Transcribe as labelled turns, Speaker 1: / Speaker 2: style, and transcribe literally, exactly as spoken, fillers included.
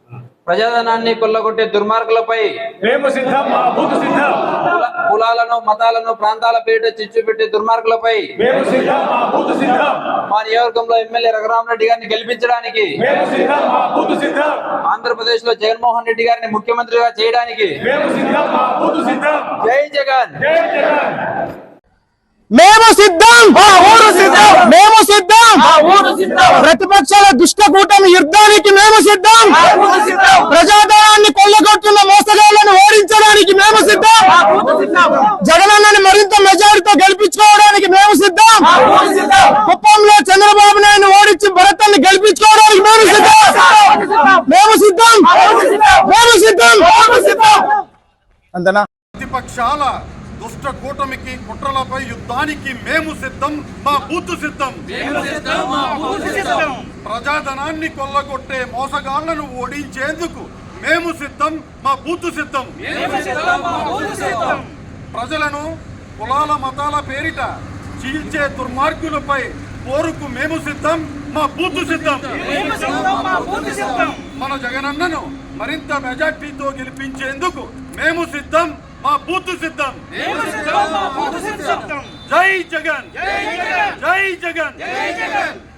Speaker 1: ప్రజాధనాన్ని కొల్లగొట్టే దుర్మార్గులపై
Speaker 2: మేము సిద్ధం, మా బూతు సిద్ధం.
Speaker 1: కులాలను మతాలను ప్రాంతాల పేరిట చిచ్చు పెట్టే దుర్మార్గులపై
Speaker 2: మేము సిద్ధం, మా బూతు సిద్ధం.
Speaker 1: మా నియోజకవర్గంలో ఎమ్మెల్యే రఘురామరెడ్డి గారిని గెలిపించడానికి
Speaker 2: మేము సిద్ధం, మా బూతు సిద్ధం.
Speaker 1: ఆంధ్రప్రదేశ్ లో జగన్మోహన్ రెడ్డి గారిని ముఖ్యమంత్రిగా చేయడానికి
Speaker 2: మేము సిద్ధం, మా బూతు సిద్ధం.
Speaker 1: జై జగన్.
Speaker 2: జై జగన్.
Speaker 3: మేము సిద్ధం, మేము సిద్ధం, ప్రతిపక్షాల దుష్ట కూటమి యుద్ధానికి మేము సిద్ధం, ప్రజాధనాన్ని కొల్లగొట్టున్న మోసగాళ్లను ఓడించడానికి మేము సిద్ధం, జగనన్నని మరింత మెజారిటీతో గెలిపించుకోవడానికి మేము సిద్ధం, కుప్పంలో చంద్రబాబు నాయుడు ఓడించి భరతాన్ని గెలిపించుకోవడానికి మేము సిద్ధం, మేము సిద్ధం, మేము సిద్ధం. అంతేనా?
Speaker 4: ప్రతిపక్షాల దుష్ట కూటమికి కుట్రలపై యుద్ధానికి మేము సిద్ధం, మా బూతు సిద్ధం. ప్రజాధనాన్ని కొల్లగొట్టే మోసగాళ్లను ఓడించేందుకు మేము సిద్ధం, మా బూతు సిద్ధం. ప్రజలను కులాల మతాల పేరిట చీల్చే దుర్మార్గులపై పోరుకు మేము సిద్ధం, మా బూతు సిద్ధం. మన జగనన్నను మరింత మెజార్టీతో గెలిపించేందుకు మేము సిద్ధం, మా బూతు సిద్ధం. జై జగన్, జై జగన్.